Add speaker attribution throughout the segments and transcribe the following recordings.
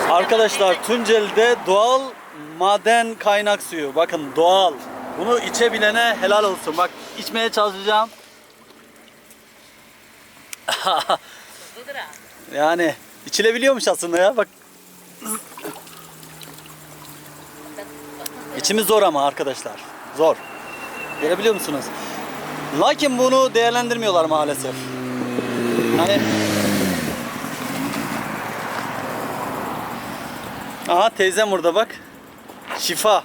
Speaker 1: Arkadaşlar Tunceli'de doğal maden kaynak suyu. Bakın doğal. Bunu içebilene helal olsun. Bak içmeye çalışacağım. Yani içilebiliyormuş aslında ya. Bak. İçimiz zor ama arkadaşlar. Zor. Görebiliyor musunuz? Lakin bunu değerlendirmiyorlar maalesef. Hani aha teyzem burada bak. Şifa.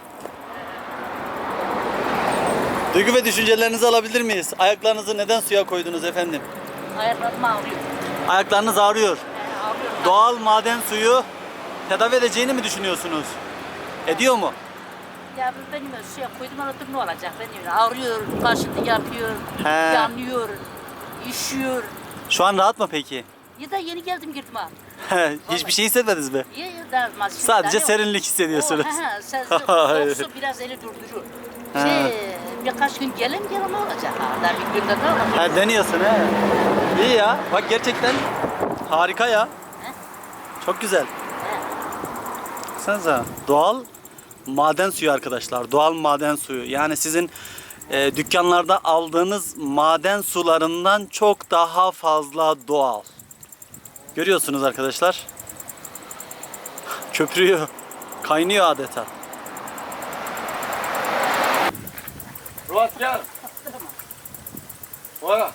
Speaker 1: Duygu ve düşüncelerinizi alabilir miyiz? Ayaklarınızı neden suya koydunuz efendim?
Speaker 2: Ayaklarım ağrıyor.
Speaker 1: Ayaklarınız ağrıyor.
Speaker 2: Ağrıyor.
Speaker 1: Doğal maden suyu tedavi edeceğini mi düşünüyorsunuz? Ediyor mu?
Speaker 2: Ya benim suya koydum anladım ne olacak? Benim ağrıyor, kaşıntı yapıyor,
Speaker 1: He.
Speaker 2: yanıyor, üşüyor.
Speaker 1: Şu an rahat mı peki?
Speaker 2: Ya da yeni geldim girdim ha.
Speaker 1: Hiçbir şey hissetmediniz mi?
Speaker 2: Ya da
Speaker 1: Sadece serinlik hissediyorsunuz.
Speaker 2: Soğuksu biraz eli durdurur. Birkaç gün gelin ne olacak ha? Daha bir günde ne olacak?
Speaker 1: Ha, deniyorsun he. İyi ya. Bak gerçekten harika ya. Çok güzel. Baksanıza. Doğal maden suyu arkadaşlar. Doğal maden suyu. Yani sizin dükkanlarda aldığınız maden sularından çok daha fazla doğal. Görüyorsunuz arkadaşlar. Köpürüyor. Kaynıyor adeta.
Speaker 3: Ruat gel. Bora.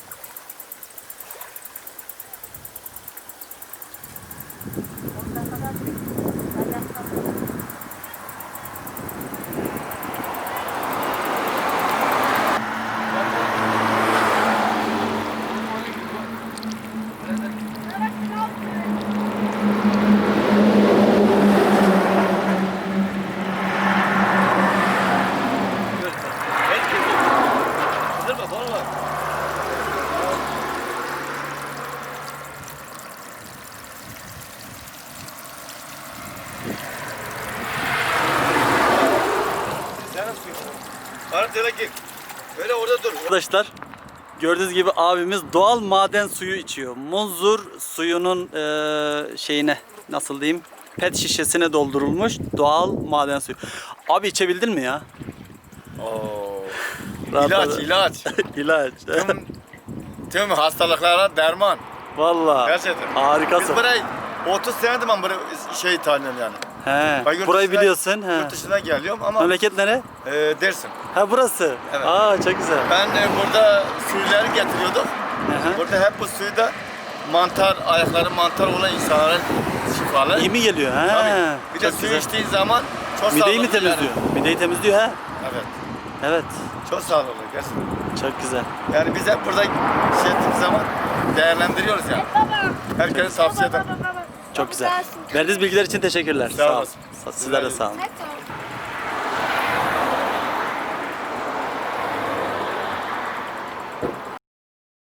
Speaker 3: Böyle orada dur.
Speaker 1: Arkadaşlar gördüğünüz gibi abimiz doğal maden suyu içiyor. Munzur suyunun şeyine nasıl diyeyim pet şişesine doldurulmuş doğal maden suyu. Abi içebildin mi ya?
Speaker 3: Oo.
Speaker 1: Rahat
Speaker 3: İlaç,
Speaker 1: rahat.
Speaker 3: ilaç.
Speaker 1: İlaç.
Speaker 3: Tüm hastalıklara derman.
Speaker 1: Vallahi.
Speaker 3: Gerçekten. Biz
Speaker 1: Harikasın.
Speaker 3: burayı 30 senedir ben buraya tanıyorum yani.
Speaker 1: He.
Speaker 3: Ben yurt
Speaker 1: Burayı
Speaker 3: dışına-
Speaker 1: biliyorsun. He.
Speaker 3: Yurt dışına geliyorum ama
Speaker 1: Memleket nere?
Speaker 3: Dersim.
Speaker 1: Ha burası.
Speaker 3: Evet.
Speaker 1: Aa çok güzel.
Speaker 3: Ben burada suyları getiriyordum.
Speaker 1: Hı hı.
Speaker 3: Burada hep bu suyu da mantar, ayakları mantar olan insanların şifalı.
Speaker 1: İyi mi geliyor? He.
Speaker 3: Tabii. Bir de
Speaker 1: Çok
Speaker 3: suyu
Speaker 1: güzel.
Speaker 3: içtiğin zaman çok
Speaker 1: Mideyi mi
Speaker 3: sağlıklı yani.
Speaker 1: temizliyor? Mideyi temizliyor ha?
Speaker 3: Evet.
Speaker 1: Evet.
Speaker 3: Çok sağlıklı gerçekten.
Speaker 1: Çok güzel.
Speaker 3: Yani biz hep burada ettiğimiz zaman değerlendiriyoruz yani. Herkese tavsiye ederim.
Speaker 1: Çok güzel. Verdiğiniz bilgiler için teşekkürler.
Speaker 3: Sağ
Speaker 1: Sağ olun.
Speaker 3: olasın.
Speaker 1: Sizler de sağ olun.
Speaker 4: Hadi.